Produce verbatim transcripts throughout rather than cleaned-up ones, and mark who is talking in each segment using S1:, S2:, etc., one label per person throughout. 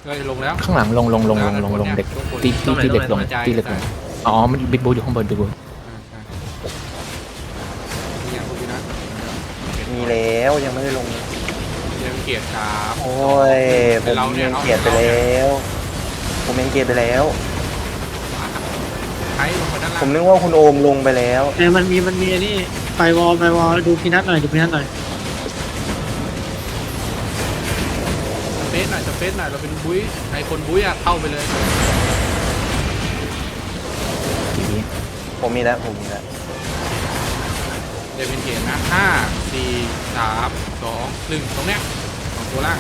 S1: เฮ้ยลงแล้ว
S2: ข้างหลังลงลงลงลงลงลงเด็กตีตีตีเด็กลงตีเด็กลงอ๋อมันบิ๊กบูอยู่ข้างบนบิ๊กบู
S3: มีแล้วยังไม่ได้ลง
S1: เรียนเกียรติสาม
S3: โอ้ยผมเมนเกียรติไปแล้วผมเมนเกียรติไปแล้ว
S1: ใช้ลงมาด้านล่าง
S3: ผมนึกว่าคุณโอมลงไปแล้ว
S4: แต่มันมีมันมีอันนี้ไฟวอลไฟวอลดูพีนัทหน่อยดูพีนัทหน่อย
S1: สเปซหน่อยสเปซหน่อยเราเป็นบุ้ยไอคนบุ้ยอะเข้าไปเลย
S2: ทีนี้
S3: ผมมีแล้วผมมีแล้ว
S1: เรียนเป็นเกียรตินะห้าสี่สามสองหนึ่งตรงเนี้ยสองตัวล่าง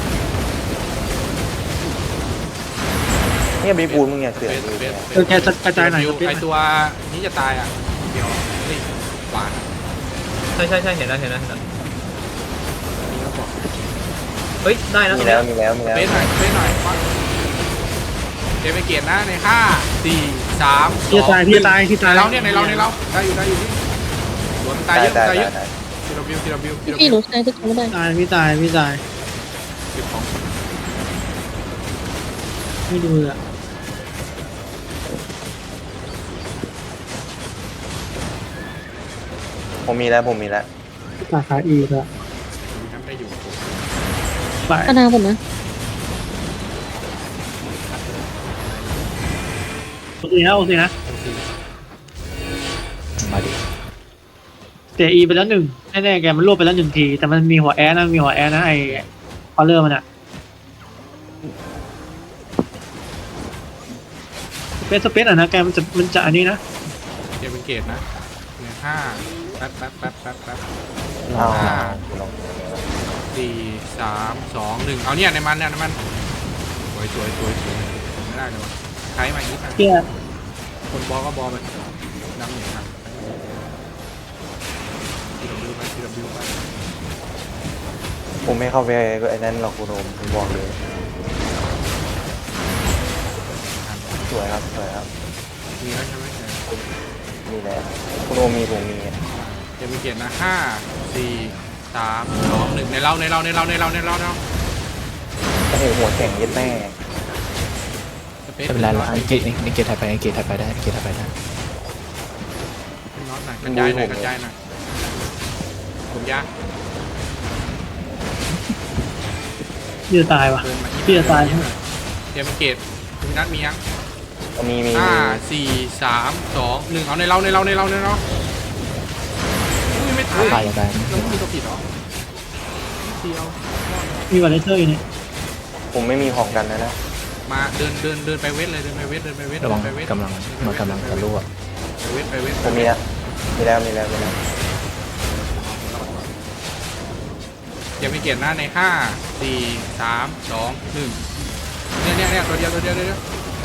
S3: เนี่ยบีบูนมึงอย่าเสือกดูเนี่ย
S4: เออแกกระจายหน่อย
S1: ไอตัวนี้จะตายอ่ะเดี๋ยวนี่หวาน
S5: ใช่ใช่ใช่เห็นแล้วเห็นแล้วเห็นแล้ว
S1: นี่ก็บอก
S5: เฮ้ยได้นะ
S3: มีแล้วมีแล้วมี
S1: ส
S3: แล้ว
S1: เปซหน่อยสเปซหน่อยเรียนเป็นเกียรตินะในห้าสี่สามส
S4: พี่
S1: อง
S4: ตายพี่ตายพี่ตาย
S1: เราเนี่ยในเราในเราได้อยู่ได้อยู่ที่สวนตายเยอะ
S3: ได้
S1: ตายเย
S3: ได้
S1: อะ
S3: ได้
S1: ทีละบิวทีละบิวทีละ
S6: พี่
S1: บิ
S6: หนู
S1: ว
S6: ใช้ทุกคนไม่ได้
S4: ตายพี่ตายพี่ตาย
S1: เก็บของ
S4: ไม่ดูอ่ะ
S3: ผมมีแล้วผมมีแล้ว
S4: สาขาอีกอะ
S1: ทำได้อยู่
S4: ไป
S6: ขนาดผมนะ
S4: โอเคนะโอเคนะ
S2: มาดิ
S4: เสียอีไปแล้วหนึ่งแน่ๆแกมันรวบไปแล้วหนึ่งทีแต่มันมีหัวแอสนะมีหัวแอสนะไอคอลเลอร์มันอะสเปซสเปซอ่ะนะแกมันจะมันจะอันนี้นะ
S1: เก็บเป็นเกตนะเนี่ยห้าแป๊บแป๊บแป๊บแป๊บแป๊บ
S3: เอาลอง
S1: สี่สามสองหนึ่งเอาเนี่ยในมันเนี่ยในมันสวยสวยสวยสวยไม่ได้เลยวะใช้มาอีกนะ
S4: เที่ย
S1: คนบอลก็บอลไปนำเนี่ยครับทีดับบิวไปทีดับบิวไป
S3: ผมไม่เข้าไปไอ้นั่นหรอกคุณโอมผมบอกเลยสวยครับสวยครับ
S1: มีแล้วใช่ไหม
S3: มีแล้วคุณโอมมีผมมี
S1: เก็บเป็นเกตนะห้าสี่สามสองหนึ่งในเราในเราในเราในเราในเราในเรา
S3: โอ้โหหัวแข็งเย็ดแม่
S2: ไม่เป็นไรหรอกไอเกตไอเกตถัดไปไอเกตถัดไปได้ไอเกตถัดไปได้
S1: น็อตหน่อยกระจายหน่อยกระจายหน่อยผมยาก
S4: พี่จะตายว่ะ
S1: เดินมา
S4: พี่จะตายใช่ไหม
S1: เตรียมเกตคุณนัทมียัง
S3: มีมี
S1: ห้าสี่สามสองหนึ่งเอาในเราในเราในเราในเราอุ้ยไม่ตาย
S2: ตายยังไง
S1: เราไม่มีตัวผิดหรอเดียว
S4: มีวอลเลเตอร์อยู่นี่
S3: ผมไม่มีของกันนะนะ
S1: มาเดินเดินเดินไปเวทเลยเดินไปเวทเดินไปเวท
S2: ระวัง
S1: เดินไปเวท
S2: กำลังมันกำลังทะลุอ่ะ
S1: ไปเวทไปเวท
S3: ผมมีแล้วมีแล้วมีแล้วมีแล้ว
S1: อย่าไปเกียรหน้าในห้าสี่สามสองหนึ่งเนี่ยเนี่ยเนี่ยตัวเดียวตัวเดียวตัวเดียว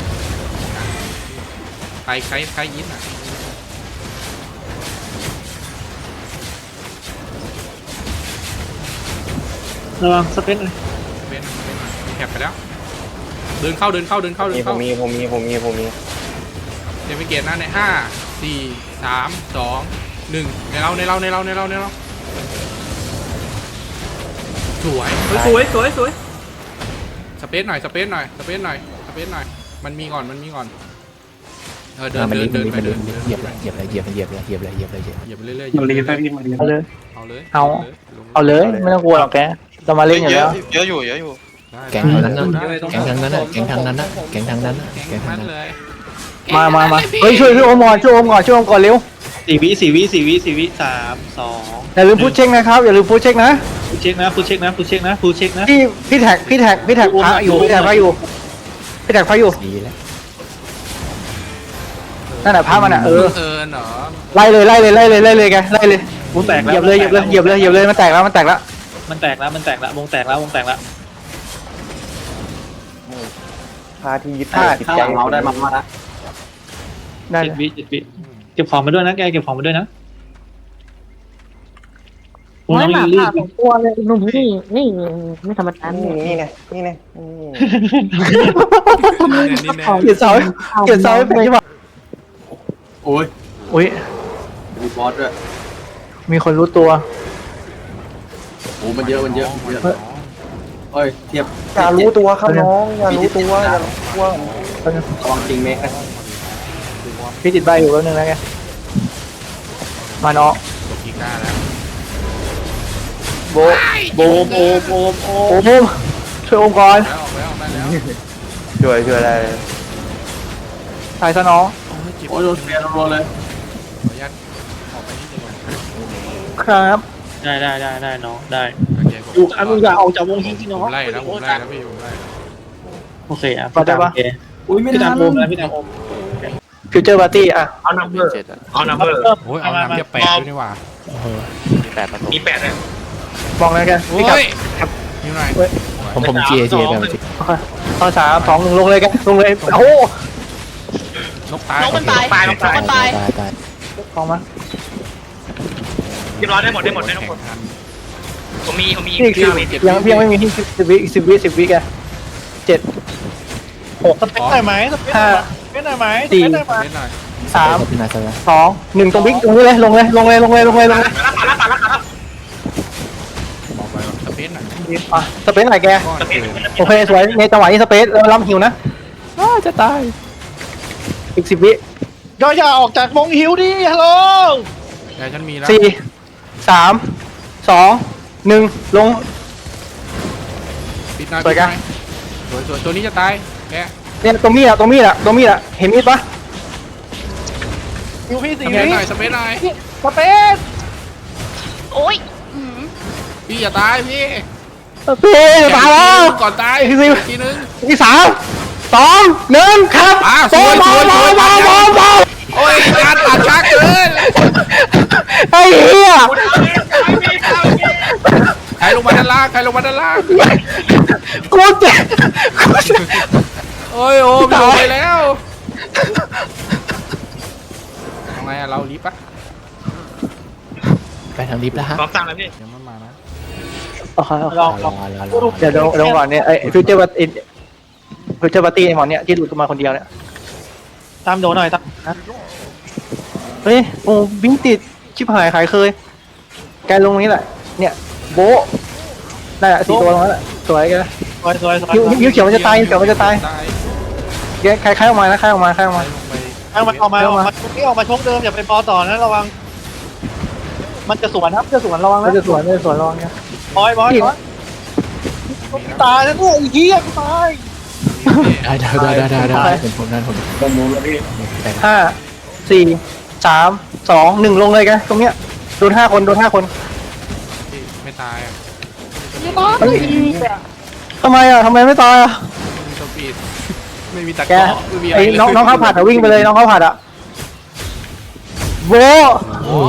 S1: ใครใครใครยิ้มอ่ะ
S4: ระวังสเปซเลย
S1: เวทเวทแคปไปแล้ว เดินเข้าเดินเข้าเดินเข้าเดิ
S3: มี
S1: น
S3: ผ
S1: เข้าม
S3: มีผมมีผมมีผมมี
S1: อย่าไปเกียรหน้าในห้าสี่สามสองหนึ่งในเราในเราในเราในเราในเราสวย
S5: เฮ้ยสวยสวยสวย
S1: สเปซหน่อยสเปซหน่อยสเปซหน่อยสเปซหน่อยมันมีก่อนมันมีก่อนเออเดิน
S2: มัน
S1: เดิ
S2: รี
S1: น
S2: บ
S1: เดิน
S2: มัน
S1: ไป
S2: รีบ
S1: เดิ
S2: มัน
S1: น
S2: รีบเหยียบเลยเหยียบเลยเหยียบเลยเหยียบเลยเหยียบเลยเหยียบเลยเหยียบเลย
S1: เหยียบไปเรื่อยๆ
S4: มันรีบไปรีบมารีบ
S7: เอาเลย
S1: เอาเลย
S7: เอา
S1: ลง
S7: เอาเลยไม่ต้องกลัวหรอกแกเรามาเล่นอยู่แล้ว
S8: เยอะอยู่เยอะอยู่
S1: ได้
S2: แกงทางนั้นนะแกงทางนั้นนะแกงทางนั้นนะแกงทางนั้นนะแก
S1: แก
S2: ง
S1: ง
S2: ทาง
S1: มั
S2: นั้น น
S1: เลย
S7: มามามาเฮ้ยช่วยพี่โอมก่อนช่วยโอมก่อนช่วยโอมก่อนเร็ว
S4: สี่วิสี่วิสี่วิสี่วิสามสอง
S7: อย่าลืมพูดเช็คนะครับอย่าลืมพูดเช็คนะ
S4: ฟูเช็คนะฟูเช็คนะฟูเช็คนะฟูเช็คนะ
S7: พี่พี่แท็กพี่แท็กพี่แท็กพระอยู่พี่แท็กพระอยู่พี่แท็กพระอยู่
S2: ดีแล้ว
S7: นั่นแหละพระมันอ่ะเออ
S1: เอิญเหรอ
S7: ไล่เลยไล่เลยไล่เลยไล่เลยแกไล่เลย
S4: วงแตก
S7: เห
S4: แล้ว
S7: ยียบเลยเหยียบเลยเหยียบเลยเหยียบเลยมันแตกแล้วมันแตกแล้ว
S4: มันแตกแล้วมันแตกแล้ววงแตกแล้ววงแตกแล้ว
S3: พาที่ยึดเหนี่ยวจิตใจเราได้มา
S7: ได้
S4: เจ็ดวิเจ็ดวิเก็บของมาด้วยนะแกเก็บของมาด้วยนะ
S6: ไม่หมา
S4: รี
S6: ผ่า
S4: บ
S6: สองตัวเลยหนุ่มนี่นี่ไม่ธรรมดา
S3: นี่
S6: เนี่ย
S3: นี่ไงนี่ไงอืม
S1: นี่แน่
S7: เกียรติเสาเกียรติเสาเป็นที่ว่า
S8: โอ้ย
S7: อุ้ย
S8: มีบอสด้วย
S7: มีคนรู้ตัว
S8: โอ้มันเยอะมันเยอะเยอะโอ้ยเทียบ
S3: อย่ารู้ตัวครับน้องอย่ารู้ตัวอย่ารู้ตัว
S8: ระวังจริงเมกนะ
S7: พี่ติดใบอยู่แป๊บนึงนะแกมาเนาะ
S1: กดกีก้าแล้ว
S7: โบโบโบโบโบโอมช่วยโอมก่อน
S1: แล้วออกแล้วออกมาแล้ว
S3: ช่วยช่วยอะไร
S7: ถ่ายซะน้อง
S1: โอ้ยเจ็บ
S8: โอ้ยโดนเฟียร์รัวๆเลย
S1: ขออนุญาตออกไปนิดนึงก่อน
S7: ครับ
S4: ได้ได้ได้ได้น้องได้
S1: โอเคผม
S4: อยู่อันมึงอย่าออกจากวงที่ที่น้อง
S1: ผมไล่แล้วผมไล่แล้วพี่ผมไล่แล้ว
S4: โอเคอ่ะพี่ตามโอเค
S8: อุ้ยไม่
S4: พี่
S8: ทั
S4: ตาม
S8: น
S4: โอมแล้วพี่ตามโอม
S7: ฟิวเจอร์ปาร์ตี้อ่ะ
S5: เอานัมเบอร์เอานัมเบอร์
S1: โอ้ยเอาน้ำเทียบแปดด้วยนี่หว่า
S5: มีแปดเลย
S7: มองนะแก
S1: โอ้
S7: พี่กลับ
S1: ยอยู่ไหน
S2: ผมผม G A G A ไปจริง
S7: ข้อสามสองหนึ่งลงเลยแกลงเลยโอ้โห
S1: นกตาย
S9: นกมันตาย
S5: ตายนกตาย
S9: มันตาย
S2: ตายตาย
S7: ลองมา
S5: เรียบร้อยได้หมดได้หมดได้หมด
S1: แข่งทัน
S5: ผมมีผมมี
S7: พี่อีกสิบยังพี่ยังไม่มีที่สิบวิอีกสิบวิสิบวิแกเจ็ดหก
S4: สเปคหน่อยไหมสเปคหน่อยไหมสเปคหน่อยไหมส
S7: สี่
S4: เปคหน่อยไหม
S1: เล่นหน่อย
S7: สาม
S2: พี่นายซะแล้ว
S7: สองหนึ่งตรงบิ๊กตรงนี้เลยลงเลยลงเลยลงเลยลงเลยลงเลย
S1: บอกไปว่าสเปซหน่อย
S7: อ่ะสเปซไหนแก
S1: ก้อนเกิน
S7: โอเคสวยในจังหวะนี้สเปซแล้วล้ำหิวนะอ้าจะตายอีกสิบวิ
S4: ย่อย่าออกจากวงหิวดิฮัลโหล
S1: แต่ฉันมีแล้ว
S7: สี่สามสองหนึ่งลง
S1: ปิดหน้า
S7: สวยกัน
S1: สวยสวยตัวนี้จะตายแก
S7: เนี่ยตรงมีดอะตรงมีดอะตรงมีดอะเห็นมีดปะ
S4: หิวพี่
S1: ส
S4: สี่
S1: เปซ
S4: วิ
S1: หน่อยสเปซหน่อย
S4: สเปซ
S9: โอ้ยอืม
S1: พี่อย่าตายพี่
S7: พี่ตายแล้ว
S1: ก่อนตาย
S7: อีกสิ
S1: ทีนึง
S7: อีกสามสองหนึ่งครับ
S1: อ่ะสวยสวยสวย
S7: บอลบอลบอล
S1: โอ้ยการตัดช้าเกิน
S7: ไอ้เหี้ย
S1: ใครลงมาด้านล่างใครลงมาด้านล่าง
S7: กูเจ็บกูเจ็บ
S1: โอ้ยโอ้ยลงไปแล้วทำไงอะเรารีบปะ
S2: ไปทางลิฟต์แล้วฮะ
S5: พร้อมสั่งแล้วพี่
S1: ยังไม่มานะ
S7: โอเคโอเค
S4: ลอง
S2: ร
S4: ล
S2: อ
S4: อง
S2: รอรอรอ
S7: เดี๋ยวเดี๋ยวเดี๋ยวก่อนเนี่ยไอ้ฟิวเจอร์บัตฟิวเจอร์บัตตี้ไอ้หมอนเนี่ยที่หลุดมาคนเดียวเนี่ย
S4: ตามโดนหน่อยตาม
S7: เฮ้ยโอ้บิงติดชิบหายขายเคยแกลงนี้แหละเนี่ยโบะได้ละสี่ตัวลงแล้วแหละสวยแก
S4: สวยสวยสวย
S7: ยิ้วยิ้วเขียวมันจะตายยิ้วเขียวมันจะตายแกใครใครออกมานะใครออกมาใครออกมา
S1: ลงไป
S4: เอามันออกมาออกมานี่ออกมาชกเดิมอย่าไปปอต่อนะระวัง มันจะสวนครับจะสวนระวัง
S7: ไม่
S4: นะ
S7: จะสวนไม่จะสวนลองเนี่ย
S4: บอยบอยบอยตายแล้วเนี่ยไอ้เหี้ยกูตาย
S2: ได้ได้ได้ได้ได้ผมผมนั่นผม
S8: ผมรู้แล้วพี่
S2: ไป
S7: ห้าสี่สามสองหนึ่งลงเลยแกตรงเนี้ยโดนห้าคนโดนห้าคน
S1: พี่ไม่ตายอะ
S7: เฮ้ยทำไมอ่ะทำไมไม่ตายอ่ะ
S1: ไม่มีสปีดไม่มีตะ
S7: แก
S1: กร้อไม่มีอะไร
S7: ไอ้น้องน้องข้าวผัดอ่ะวิ่งไปเลยน้องข้าวผัดอ่ะโบะ
S1: โอ้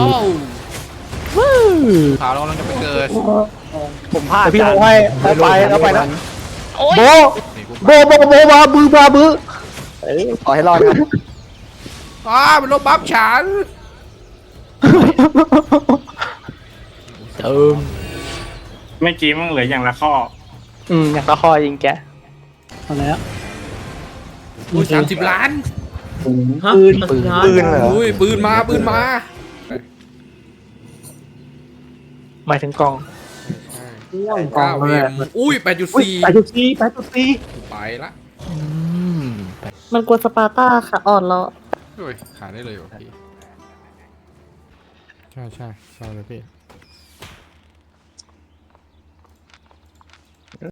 S1: ขาวเรากำลังจะไปเกิด
S7: ผมพลาดพี่โมให้ไปไปแล้วไปนะ
S9: โอ้ย
S7: โบะ
S1: นี่กู
S7: โบะโบะโบะบาบือบาบือเอ้ยขอให้รอดกัน
S1: อ้าเป็นลบบัฟฉัน
S2: เติม
S10: เมื่อกี้มันเหลืออย่างละข้อ
S7: อืมอยากตะคอยิงแก
S4: เอาแล้ว
S1: อุ้ยสามสิบล้าน
S5: ฮะ
S7: ปืน
S5: ปืน
S3: ปืนเหรอ
S1: อุ้ยปืนมาปืนมา
S7: หมายถึงกล่อง
S1: เก้าเอ็มอุ้ยแปดจุด
S7: อุ้ย
S1: สี่
S7: ไปจุดสี่ไปจุดสี่
S1: ไปละ
S2: อืม
S6: มันกลัวสปาร์ต้าค่ะอ่อนแล้ว
S1: โอ้ยขายได้เลยว่ะพี่ใช่ใช่ใช่เลยพี่